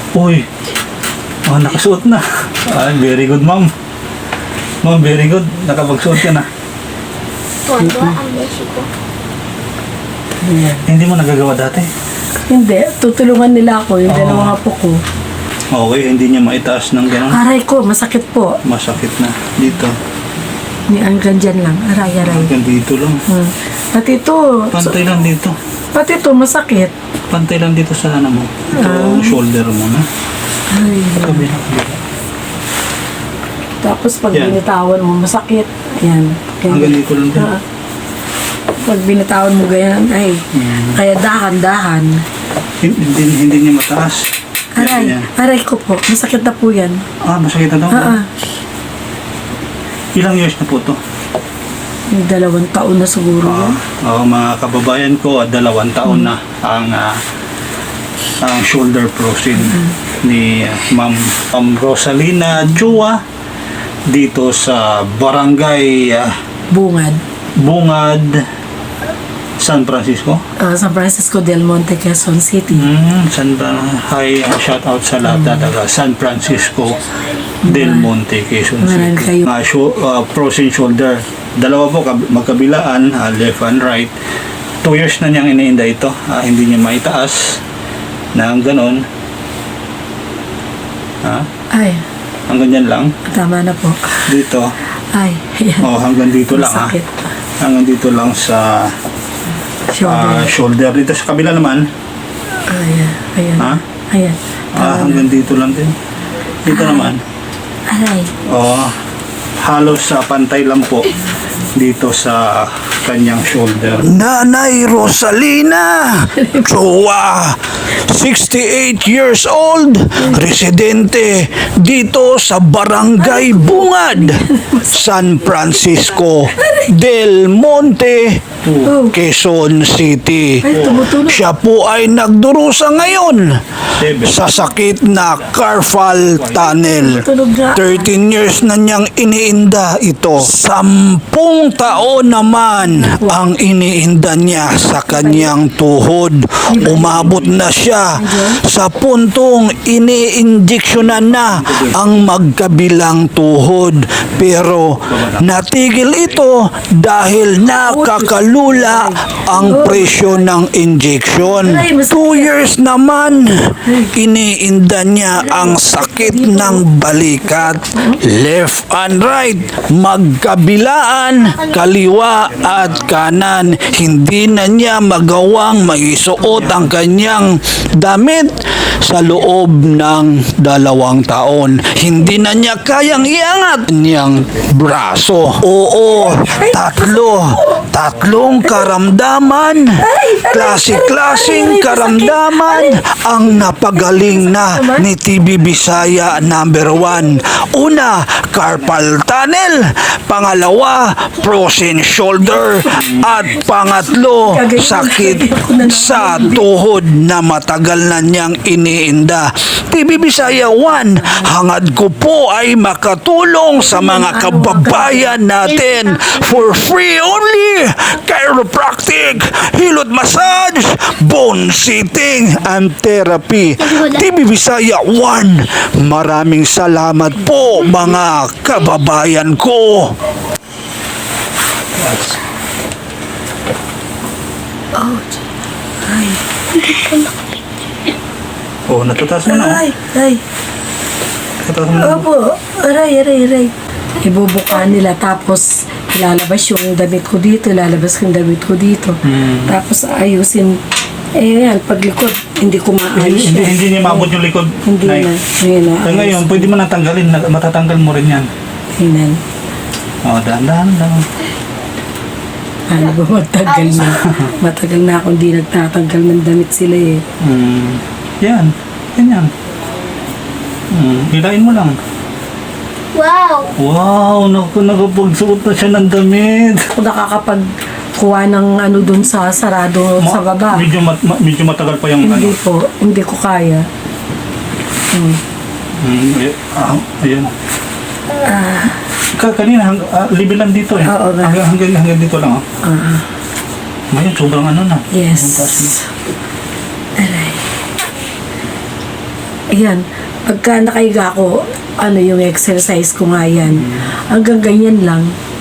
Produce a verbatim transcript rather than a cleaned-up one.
Uy, oh, nakasuot na. Ah, very good, ma'am. Ma'am, very good. Nakapagsuot ka na. Todo ang beshi ko. Ayan. Hindi mo nagagawa dati? Hindi, tutulungan nila ako, yung Oo. dalawang apo ko. Okay, hindi niya maitaas ng gano'n. Aray ko, masakit po. Masakit na. Dito. Ni hanggang dyan lang, aray-aray. Hanggang dito lang. Hmm. Pati ito, Pantay lang dito. pati ito, masakit. Pantay lang dito sa ano mo. Ito, Ah. shoulder mo na. Ay, Kabila, kabila. tapos pag Yan. binitawan mo, masakit. Ayan. Hanggang dito lang din. Ah. Pag binitawan mo ganyan, ay, Mm. kaya dahan-dahan. Hindi, hindi, hindi niya mataas. Aray, Yan, yan. aray ko po, masakit na po yan. Ah, masakit na daw. Ah, ah. Ilang years na po to? Yung dalawang taon na siguro Ah, yan. oh, mga kababayan ko, ah, dalawang taon na ang ah, ang shoulder bruising ni ah, Ma'am Ma'am Rosalina Chua dito sa Barangay ah, Bungad. Bungad, San Francisco. Ah, San Francisco del Monte, Quezon City. Mm, San Hi, uh, shout out sa lahat na taga San Francisco del Monte, Quezon Maraming City. kayo. Uh, sho- uh, pros and shoulder. Dalawa po kab- magkabilaan, uh, left and right. Two years na niyang iniinda ito. Uh, hindi niya maitaas ng ganon. Ha? Ay, Hanggang dyan lang. tama na po. Dito. Ay, ayan. Oh, hanggang dito lang ha. Masakit. Hanggang dito lang sa Shoulder. uh, shoulder. Dito sa kabila naman. Ayan, ayan. Ha? Ayan. Ah, Tama na. hanggang dito lang din. Dito naman. Aray. Oh, halos sa pantay lang po dito sa kanyang shoulder. Nanay Rosalina Chua, sixty-eight years old, residente dito sa Barangay Bungad, San Francisco del Monte, Oh. Quezon City. Ay, tumutunog. Siya po ay nagdurusa ngayon sa sakit na carpal tunnel. Tunog na. thirteen years na niyang iniinda ito. Sampung taon naman ang iniinda niya sa kanyang tuhod. Umabot na siya sa puntong iniinjeksyonan na ang magkabilang tuhod. Pero natigil ito dahil nakakalula ang presyo ng injection. Two years naman, iniinda niya ang sakit ng balikat. Left and right, magkabilaan, kaliwa at kanan. Hindi na niya magawang maisuot ang kanyang damit sa loob ng dalawang taon. Hindi na niya kayang iangat niyang braso. Oo, tatlo. Tatlong karamdaman. Klase-klaseng karamdaman ang napagaling na ni T V Bisaya number one. Una, carpal tunnel. Pangalawa, frozen shoulder. At pangatlo, sakit sa tuhod na matagal na niyang iniinda. T V Bisaya one, hangad ko po ay makatulong sa mga kababayan natin for free only. Chiropractic, hilot massage, bone sitting, and therapy. T V Bisaya one, maraming salamat po mga kababayan ko. Oh, ay. Oh, natutaas mo na. Ay, ay. Natutaas mo na. Opo, aray, aray, aray. Ibubuka nila, tapos ilalabas yung damit ko dito, ilalabas yung damit ko dito. Hmm. Tapos ayusin, eh yan, paglikod, hindi ko maayos Hindi, yan. hindi niya maabot yung likod. Hindi Nay. na, hindi na. Kaya ngayon, pwede mo natanggalin. na- Matatanggal mo rin yan. Hinan. Oh, dahan-dahan lang. Ano ba, matagal na. Matagal na akong di nagtatanggal ng damit sila eh. Hmm. Yan. Yan yan. Hmm. Hilain mo lang. Wow! Wow, naku, nakapagsuot na siya ng damit. Ako nakakapag kuha ng ano dun sa sarado sa baba. Medyo, mat, ma- medyo matagal pa yung Hindi ano. po, hindi ko kaya. Hmm. Hmm, ay- ah, ayan. Ka, kanina, hang, ah, libil lang dito eh. Oo, nga. hanggang, hanggang, hanggang dito lang. Oh. Ah, Ngayon, sobrang ano na. yes. Ang taas na. Aray. Ayan. Pagka nakahiga ako, ano yung exercise ko nga yan. Hanggang ganyan lang.